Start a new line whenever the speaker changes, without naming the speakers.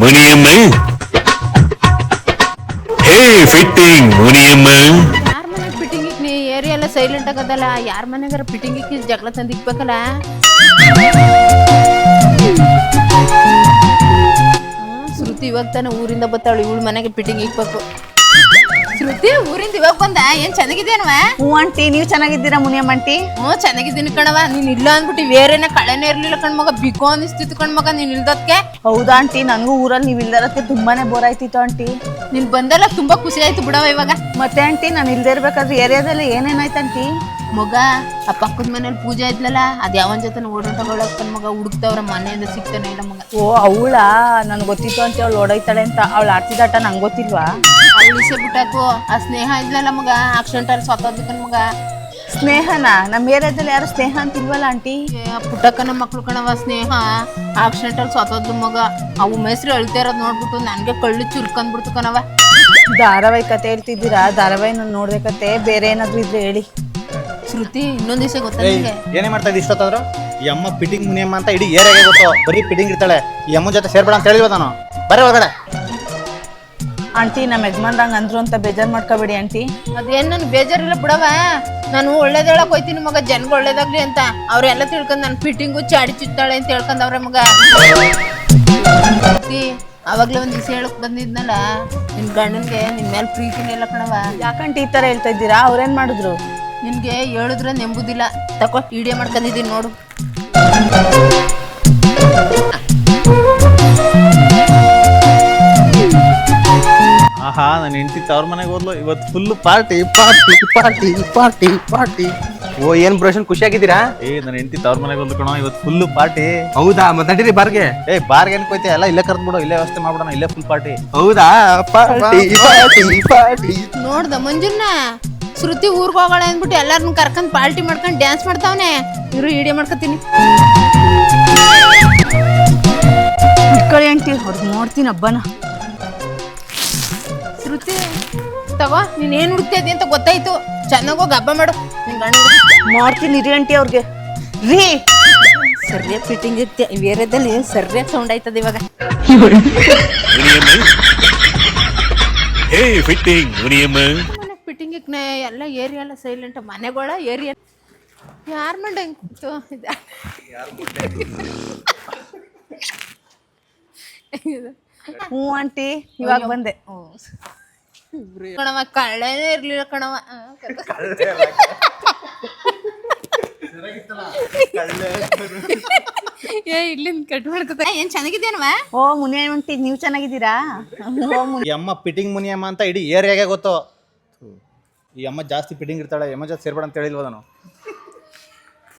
Muniyamma hey fitting Muniyamma
ಯಾರ ಮನೆ fitting ನೀ ಏರಿಯಾ ಎಲ್ಲ ಸೈಲೆಂಟ್ ಆಗದಲ್ಲ ಯಾರ ಮನೆಗಾರ ಫಿಟ್ಟಿಂಗ್ ಜಗಳ ತಂದಿಕ್ಬೇಕಲ್ಲ ಶ್ರುತಿ ಇವಾಗ ತಾನೆ ಊರಿಂದ ಬತ್ತಾಳು ಇವಳು ಮನೆಗೆ ಫಿಟ್ಟಿಂಗ್ ಇಕ್ಬೇಕು ಶ್ರುತಿ ಊರಿಂದ ಇವಾಗ ಬಂದ ಏನ್ ಚೆನ್ನಾಗಿದ್ದೇನವ
ಹ್ಞೂ ಆಂಟಿ ನೀವು ಚೆನ್ನಾಗಿದ್ದೀರಾ ಮುನಿಯಮ್ಮ ಆಂಟಿ?
ಹ್ಞೂ ಚೆನ್ನಾಗಿದ್ದೀನಿ ಕಣವ ನೀನ್ ಇಲ್ಲ ಅಂದ್ಬಿಟ್ಟು ಬೇರೆನ ಕಳೆನೇ ಇರ್ಲಿಲ್ಲ ಕಣ್ಮಗ ಬಿಕೋ ಅನಿಸ್ತಿತ್ತು ಕಣ್ಮಗ ನೀನ್ ಇಲ್ದಕ್ಕೆ.
ಹೌದಾ ಆಂಟಿ, ನನಗೂ ಊರಲ್ಲಿ ನೀವು ಇಲ್ದರಕ್ಕೆ ತುಂಬಾನೇ ಬೋರ್ ಆಯ್ತಿತ್ತು ಆಂಟಿ.
ನೀನ್ ಬಂದಲ್ಲ ತುಂಬಾ ಖುಷಿ ಆಯ್ತು ಬಿಡವ ಇವಾಗ.
ಮತ್ತೆ ಆಂಟಿ ನಾನು ಇಲ್ದೇ ಇರ್ಬೇಕಾದ್ರೆ ಏರಿಯಾದಲ್ಲಿ ಏನೇನಾಯ್ತು ಆಂಟಿ?
ಮಗ ಆ ಪಕ್ಕದ ಮನೇಲಿ ಪೂಜೆ ಇದ್ಲಲ್ಲ ಅದ್ ಯಾವನ್ ಜೊತೆ ಓಡಾಟಗಳಕ್ ಮಗ ಹುಡುಕ್ತವ್ರ ಮನೆಯಿಂದ ಸಿಗ್ತಾನೆ ಇಲ್ಲ ಮಗ.
ಓ ಅವಳಾ, ನನ್ಗೆ ಗೊತ್ತಿತ್ತು ಅಂತ ಅವಳು ಓಡೈತಾಳೆ ಅಂತ. ಅವಳು ಆಡ್ತಿದಾಟ ನಂಗೆ ಗೊತ್ತಿಲ್ವಾ?
ಅವಳು ಇಸೆ ಬಿಟ್ಟಾಕು ಆ ಸ್ನೇಹ ಇದ್ಲಲ್ಲ ಮಗ ಆಕ್ಸಿಡೆಂಟ್ ಅಲ್ಲಿ ಸತ್ತೋದಕ್ಕನ್ ಮಗ.
ಸ್ನೇಹನ ನಮ್ಮ ಏರಿಯಾದಲ್ಲಿ ಯಾರು ಸ್ನೇಹ ಅಂತಿಲ್ವಲ್ಲ ಆಂಟಿ?
ಪುಟ್ಟಕ್ಕನ ಮಕ್ಳು ಕಣವ ಸ್ನೇಹ ಆಕ್ಸಿಡೆಂಟ್ ಅಲ್ಲಿ ಸತ್ತೋದ್ ಮಗ. ಅವು ಮೈಸ್ರು ಅಳ್ತಾ ಇರೋದ್ ನೋಡ್ಬಿಟ್ಟು ನನ್ಗೆ ಕಳ್ಳು ಚುರ್ಕೊಂಡ್ಬಿಡ್ತು ಕಣವ.
ಧಾರಾವಾಹಿ ಕತೆ ಹೇಳ್ತಿದ್ದೀರಾ? ಧಾರಾವಾಹಿ ನಾನು ನೋಡ್ದೆ ಕತೆ, ಬೇರೆ ಏನಾದ್ರು ಇದ್ರೆ ಹೇಳಿ.
ಶ್ರುತಿ ಇನ್ನೊಂದ್ ದಿವಸ ಗೊತ್ತಾ ನಿಮ್ಗೆ?
ಏನೇ ಮಾಡ್ತಾ ಇದ್ದಿ ಇಷ್ಟೊತ್ತಾದ್ರು? ಈ ಅಮ್ಮ ಪಿಟಿಂಗ್ ಮುನಿಯಮ್ಮ ಅಂತ ಇಡೀ ಏರಿಯಾಗೆ ಗೊತ್ತು. ಬರೀ ಪಿಟಿಂಗ್ ಇರ್ತಾಳೆ. ಈ ಅಮ್ಮನ ಜೊತೆ ಸೇರ್ಬೇಡ ಅಂತ ಹೇಳಿವ ನಾನು. ಬರೀ ಒಳಗಡೆ.
ಆಂಟಿ ನಮ್ಮ ಯಜಮಾನ್ರಂಗ್ ಅಂದ್ರು ಅಂತ ಬೇಜಾರು ಮಾಡ್ಕೋಬೇಡಿ ಆಂಟಿ.
ಅದೇನ್ ನನ್ ಬೇಜಾರಿಲ್ಲ ಬಿಡವ. ನಾನು ಒಳ್ಳೇದ್ ಹೇಳಕ್ ಹೋಯ್ತೀನಿ ಮಗ, ಜನ್ಗ ಒಳ್ಳೇದಾಗ್ಲಿ ಅಂತ. ಅವ್ರೆಲ್ಲ ತಿಳ್ಕೊಂಡ್ ನನ್ ಫಿಟ್ಟಿಂಗು ಚಾಡಿ ಚುತ್ತಾಳೆ ಅಂತ ಹೇಳ್ಕೊಂಡವ್ರೆ ಮಗ. ಅವಾಗ್ಲೇ ಒಂದ್ ದಿವಸ ಹೇಳಕ್ ಬಂದಿದ್ನಲ್ಲ ನಿನ್ ಗಂಡನ್ಗೆ ನಿನ್ ಮೇಲೆ ಪ್ರೀತಿನೇ ಇಲ್ಲ ಕಣವ.
ಯಾಕಂಟಿ ಈ ತರ ಹೇಳ್ತಾ ಇದ್ದೀರಾ? ಅವ್ರೇನ್ ಮಾಡಿದ್ರು?
ನಿನ್ಗೆ ಹೇಳಿದ್ರೆ ನೆಂಬುದಿಲ್ಲ. ತಕೋ ವಿಡಿಯೋ ಮಾಡ್ಕೊಂಡಿದ್ದೀನಿ ನೋಡು.
ಆಹಾ, ನನ್ನ ಹೆಂಡತಿ ತವ್ರ ಮನೆಗೆ ಹೋದ್ಲು. ಇವತ್ತು full party party party party party.
ಓ ಏನ್ ಬ್ರೋಷನ್ ಖುಷಿಯಾಗಿದ್ದೀರಾ?
ನನ್ನ ಹೆಂಡತಿ ತವ್ರ ಮನೆಗೆ ಹೋದ್ಲು ಕಣೋ, ಇವತ್ತು ಫುಲ್ ಪಾರ್ಟಿ.
ಹೌದಾ? ಮತ್ತೆ ನಡೀರಿ ಬಾರ್ಗೆ.
ಬಾರ್ಗೆ ಏನ್ ಕೊಯ್ತೆ ಎಲ್ಲ ಇಲ್ಲೇ ಕರ್ದ್ಬಿಡು, ಇಲ್ಲೇ ವ್ಯವಸ್ಥೆ ಮಾಡ್ಬಿಡೋಣ, ಇಲ್ಲೇ ಫುಲ್ ಪಾರ್ಟಿ.
ಹೌದಾ? Party party party.
ನೋಡ್ದ ಮಂಜುನ್ನ ಶ್ರುತಿ ಊರ್ಗ್ ಹೋಗೋಣ ಅಂದ್ಬಿಟ್ಟು ಎಲ್ಲಾರನ್ನ ಕರ್ಕೊಂಡ್ ಪಾರ್ಟಿ ಮಾಡ್ಕೊಂಡ್ ಡ್ಯಾನ್ಸ್ ಮಾಡ್ತಾವನೆ. ಇವ್ರು ವಿಡಿಯೋ ಮಾಡ್ಕೊತೀನಿ.
ಇಟ್ಕೊಳ್ಳಿ ಆಂಟಿ, ಅವ್ರಿಗೆ ನೋಡ್ತೀನಿ ಹಬ್ಬನ.
ಶ್ರುತಿ ತಗೋ, ನೀನ್ ಏನ್ ಹುಡುಕ್ತಾ ಇದ್ದಿ ಅಂತ ಗೊತ್ತಾಯ್ತು. ಚೆನ್ನಾಗೋಗಿ ಹಬ್ಬ ಮಾಡು ನಿನ್ ಗಂಡ.
ಮಾಡ್ತೀನಿ ರೀ ಆಂಟಿ ಅವ್ರಿಗೆ. ರೀ
ಸರಿಯಾಗಿ ಫಿಟ್ಟಿಂಗ್ ಇರ್ತೀಯ. ಬೇರೆದಲ್ಲಿ ಸರಿಯಾಗಿ ಸೌಂಡ್ ಆಯ್ತದ ಇವಾಗ.
Muniyamma hey fitting Muniyamma
fitting ಎಲ್ಲ ಏರಿಯಾ ಎಲ್ಲ ಸೈಲೆಂಟ್. ಮನೆಗಳ ಏರಿಯಾ ಯಾರ ಮಂಡ ಹೆಂಗ್ ಕೂತು
ಹ್ಞೂ ಆಂಟಿ, ಇವಾಗ ಬಂದೆ.
ಕಣವ ಕಳ್ಳೆನೇ ಇರ್ಲಿಲ್ಲ ಕಣವ. ಇಲ್ಲಿಂದ ಕಟ್ ಮಾಡ್ಕೊತ. ಏನ್ ಚೆನ್ನಾಗಿದ್ದೇನವ?
ಓ ಮುನಿಯಮ್ಮ ಆಂಟಿ, ನೀವು ಚೆನ್ನಾಗಿದ್ದೀರಾ?
ಈ ಅಮ್ಮ ಪಿಟಿಂಗ್ ಮುನಿಯಮ್ಮ ಅಂತ ಇಡೀ ಏರಿಯಾಗೆ ಗೊತ್ತು. ಈ ಅಮ್ಮ ಜಾಸ್ತಿ ಪಿಟಿಂಗ್ ಇರ್ತಾಳೆ. ಅಮ್ಮ ಜೊತೆ ಸೇರ್ಬೇಡ ಅಂತ ಹೇಳಿಲ್ವ ನಾನು?